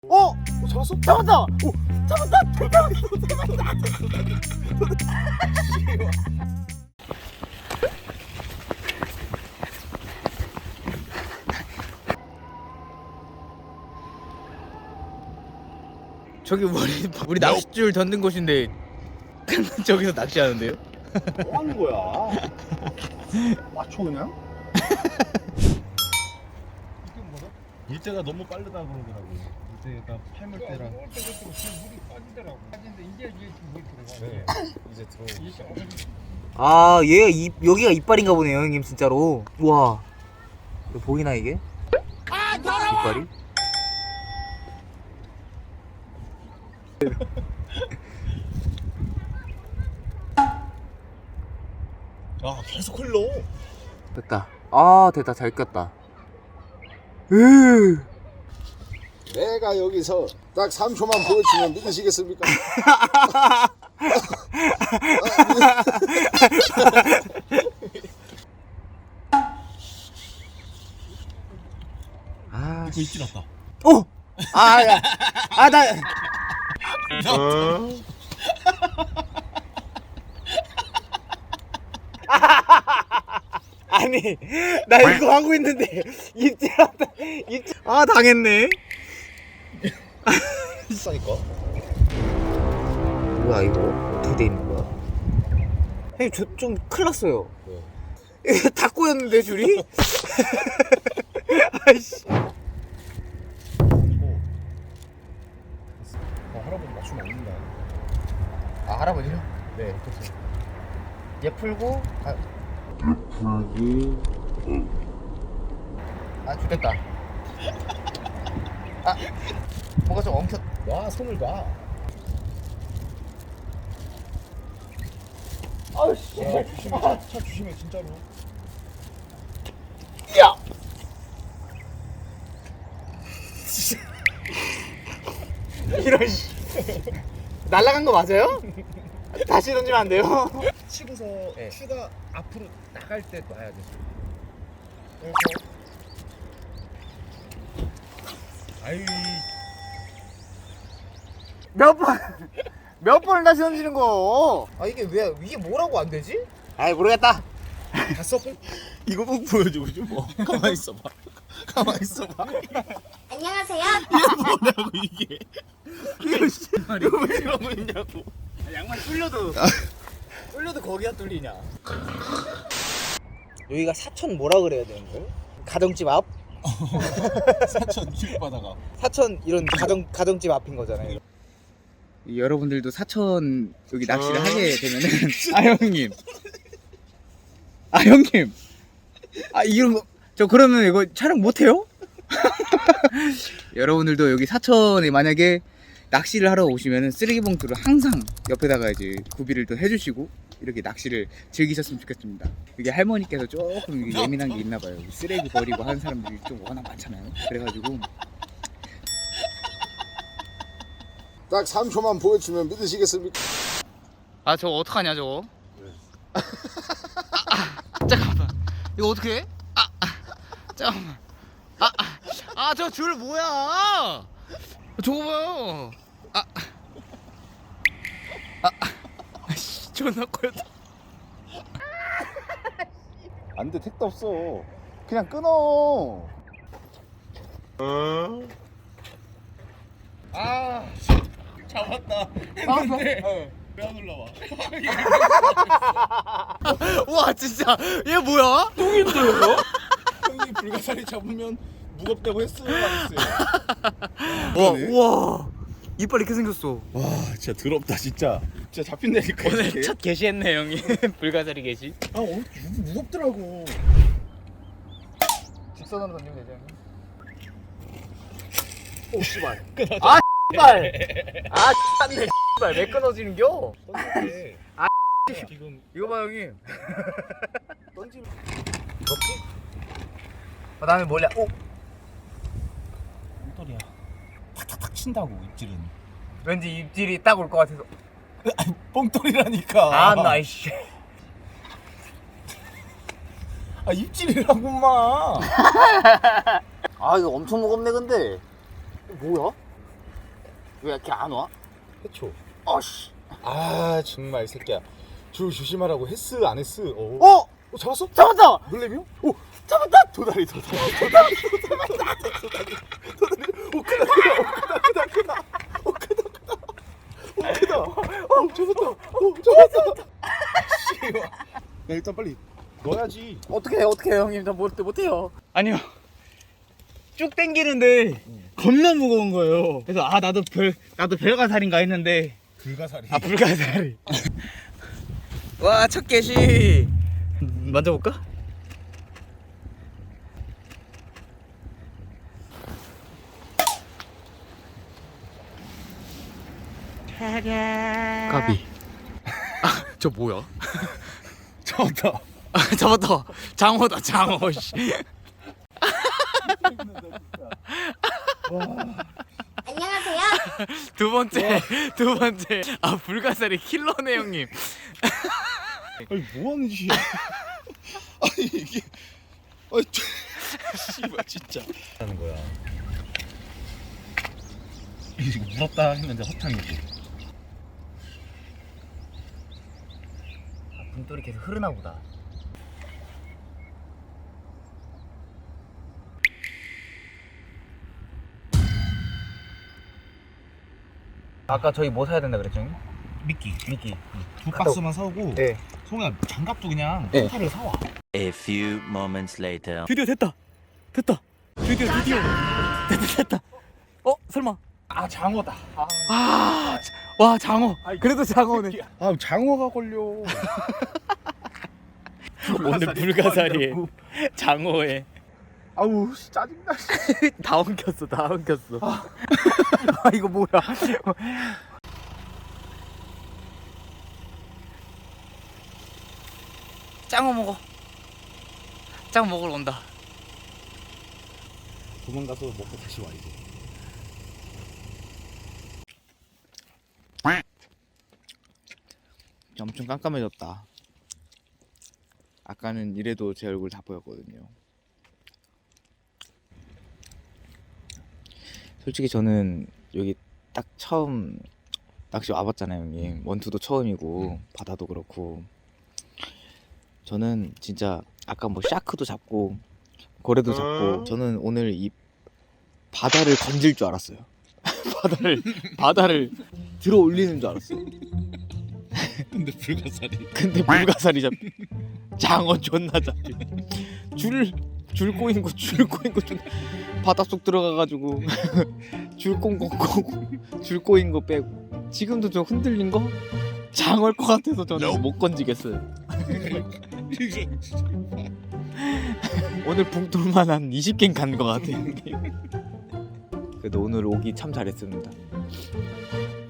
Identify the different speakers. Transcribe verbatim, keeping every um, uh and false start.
Speaker 1: 어? 잡았어? 잡았다! 오! 잡았다! 잡았다!
Speaker 2: 저기 우리 우리 낚싯줄 던든 곳인데 저기서 낚시하는데요?
Speaker 1: 뭐 하는 거야? 맞춰 그냥?
Speaker 3: 물때가 너무 빠르다 그러더라고. 물때가 팔물 때랑.
Speaker 4: 물이 빠지더라고. 빠진데 이제 이제 물이 들어가.
Speaker 3: 네. 이제 들어오기 시작.
Speaker 2: 아, 얘가 입 여기가 이빨인가 보네요, 형님 진짜로. 우와. 이거 보이나 이게? 아, 이빨이?
Speaker 3: 아 계속 흘러.
Speaker 2: 됐다. 아, 됐다. 잘 꼈다. 으.
Speaker 1: 내가 여기서 딱 삼 초만 보여주면 믿으시겠습니까?
Speaker 2: 아,
Speaker 3: 이거 입질 났다.
Speaker 2: 오! 아, 야. 아, 나 아니, 나 이거 하고 있는데 입질한다. 입질. 아, 당했네.
Speaker 3: 비싸니까.
Speaker 2: 뭐야 이거? 어떻게 돼 있는 거야? 형님 저 좀 큰일 났어요. 이거 다 꼬였는데 줄이? 아이씨.
Speaker 3: 어, 할아버지 맞추면 안 된다.
Speaker 2: 아, 할아버지요?
Speaker 3: 네, 그렇죠.
Speaker 2: 얘 풀고 아, 아 죽겠다. 아, 뭔가 좀 엉켰.
Speaker 3: 와, 손을 놔.
Speaker 2: 아우씨.
Speaker 3: 야, 조심해. 차, 차 조심해, 진짜로.
Speaker 2: 야. 이런 씨. 날라간 거 맞아요? 다시 던지면 안 돼요?
Speaker 3: 치고서
Speaker 2: 네.
Speaker 3: 추가 앞으로 나갈 때 놔야 돼. 아유,
Speaker 2: 몇 번, 몇 번을 다시 던지는 거? 아, 이게 왜, 이게 뭐라고 안 되지? 아이, 모르겠다.
Speaker 3: 다 써본. 이거 꼭 보여주고 싶어. 뭐. 가만히 있어봐. 가만히 있어봐.
Speaker 5: 안녕하세요.
Speaker 3: 뭐라고 이게?
Speaker 2: 이거 씨.
Speaker 3: 이거 왜 이러고 있냐고.
Speaker 2: 양말 뚫려도, 뚫려도 거기가 뚫리냐. 여기가 사천 뭐라 그래야 되는 거예요? 가정집 앞?
Speaker 3: 사천 길바다가.
Speaker 2: 사천 이런 가정, 가정집 앞인 거잖아요. 여러분들도 사천 여기 낚시를 하게 되면은 아 형님 아 형님 아 이런 거 저 그러면 이거 촬영 못해요? 여러분들도 여기 사천에 만약에 낚시를 하러 오시면은 쓰레기 봉투를 항상 옆에다가 이제 구비를 또 해주시고 이렇게 낚시를 즐기셨으면 좋겠습니다. 이게 할머니께서 조금 이게 예민한 게 있나 봐요. 쓰레기 버리고 하는 사람들이 좀 워낙 많잖아요. 그래가지고
Speaker 1: 딱 삼 초만 보여주면 믿으시겠습니까?
Speaker 2: 아 저거 어떡하냐 저거. 아, 아, 잠깐만 이거 어떻게 해? 아, 아 잠깐만 아 저 줄 뭐야 저거 봐요. 아, 아, 아, 씨, 존나 커였다.
Speaker 1: 안 돼, 택도 없어. 그냥 끊어.
Speaker 3: 아, 잡았다. 했는데 왜 안 올라와?
Speaker 2: 와 진짜 얘 뭐야?
Speaker 3: 형이 불가사리 잡으면 무겁다고 했어요, 안 했어요?
Speaker 2: 와, 우와 이빨 이렇게 생겼어.
Speaker 3: 와, 진짜 더럽다, 진짜. 진짜 잡힌다니까.
Speaker 2: 오늘
Speaker 3: 이렇게.
Speaker 2: 첫 게시했네 형이. 불가사리 게시.
Speaker 3: 아, 어, 무- 무겁더라고.
Speaker 2: 직선으로 던지면 되죠 형님.
Speaker 3: 오, 씨발.
Speaker 2: 아 씨발 아 씨발네 씨발 왜 끊어지는겨?
Speaker 3: 던질게.
Speaker 2: 아,
Speaker 3: 지금
Speaker 2: 이거 봐 형님.
Speaker 3: 던지면
Speaker 2: 먹지? 그 다음에 몰래 오
Speaker 3: 똥돌이야. 탁탁탁 친다고, 입질은.
Speaker 2: 왠지 입질이 딱 올 것 같아서.
Speaker 3: 뻥돌이라니까.
Speaker 2: 아 나이씨.
Speaker 3: 아, 입질이라고만.
Speaker 2: 아 이거 엄청 무겁네 근데. 이거 뭐야? 왜 이렇게 안 와?
Speaker 3: 해초.
Speaker 2: 어씨.
Speaker 3: 아 정말 이 새끼야. 줄 조심하라고 했스 안 했스. 어?
Speaker 2: 어?
Speaker 3: 어 잡았어?
Speaker 2: 잡았다.
Speaker 3: 놀래미요? 오 잡았다. 도다리 도다리 도다리 도다리 도다리 도다리. 오 크다 크다 크다 오 크다 크다 오 크다 크다. 오 잡았다. 오 잡았다. 씨. 야 일단 빨리 넣어야지.
Speaker 2: 어떻게 해? 어떻게 해, 형님? 저 못, 못해요. 아니요. 쭉 당기는데 겁나 무거운 거예요. 그래서 아 나도 별 나도 별가살인가 했는데
Speaker 3: 불가사리.
Speaker 2: 아 불가사리. 와 첫 개시. 만져볼까? 까비. 아, 저 뭐야?
Speaker 3: 잡았다.
Speaker 2: 아, 잡았다. 장어다 장어. 씨.
Speaker 5: 안녕하세요.
Speaker 2: 두 번째 두 번째. 아 불가사리 킬러네 형님.
Speaker 3: 아니 뭐 하는 짓이야? 아니 이게 아니 씨발 진짜 하는 거야. 이거 물었다 했는데 허탕이지.
Speaker 2: 아, 분돌이 계속 흐르나 보다. 아까 저희 뭐 사야 된다 그랬죠? 형님?
Speaker 3: 미끼
Speaker 2: 미끼.
Speaker 3: 두 박스만 사오고.
Speaker 2: 네.
Speaker 3: 송아 장갑도 그냥
Speaker 2: 네.
Speaker 3: 한타를 사와.
Speaker 6: A few moments later.
Speaker 2: 드디어 됐다. 됐다. 드디어 드디어. 됐다 됐다. 어 설마.
Speaker 3: 아 장어다. 아,
Speaker 2: 아, 와 장어. 그래도 장어네.
Speaker 3: 아 장어가 걸려.
Speaker 2: 오늘 불가사리에 장어에
Speaker 3: 아우 씨, 짜증나.
Speaker 2: 다 엉켰어, 다 엉켰어. 아 이거 뭐야? 짱어 먹어. 짱어 먹으러 온다.
Speaker 3: 도망가서 먹고 다시 와 이제.
Speaker 2: 엄청 깜깜해졌다. 아까는 이래도 제 얼굴 다 보였거든요. 솔직히 저는 여기 딱 처음 낚시 와봤잖아요, 형님. 원투도 처음이고 바다도 그렇고. 저는 진짜 아까 뭐 샤크도 잡고 고래도 잡고 저는 오늘 이 바다를 건질 줄 알았어요. 바다를 바다를 들어 올리는 줄 알았어요.
Speaker 3: 근데 불가사리.
Speaker 2: 근데 불가사리 잡 장어 존나 잡히 줄줄 꼬인 거줄 꼬인 거 존나 바닷속 들어가가지고 줄 꼬인 거줄 꼬인 거 빼고 지금도 좀 흔들린 거 장어일 것 같아서 저는 못 건지겠어요. 오늘 붕돌만 한 이십 개 간 것 같아요. 그래도 오늘 오기 참 잘했습니다.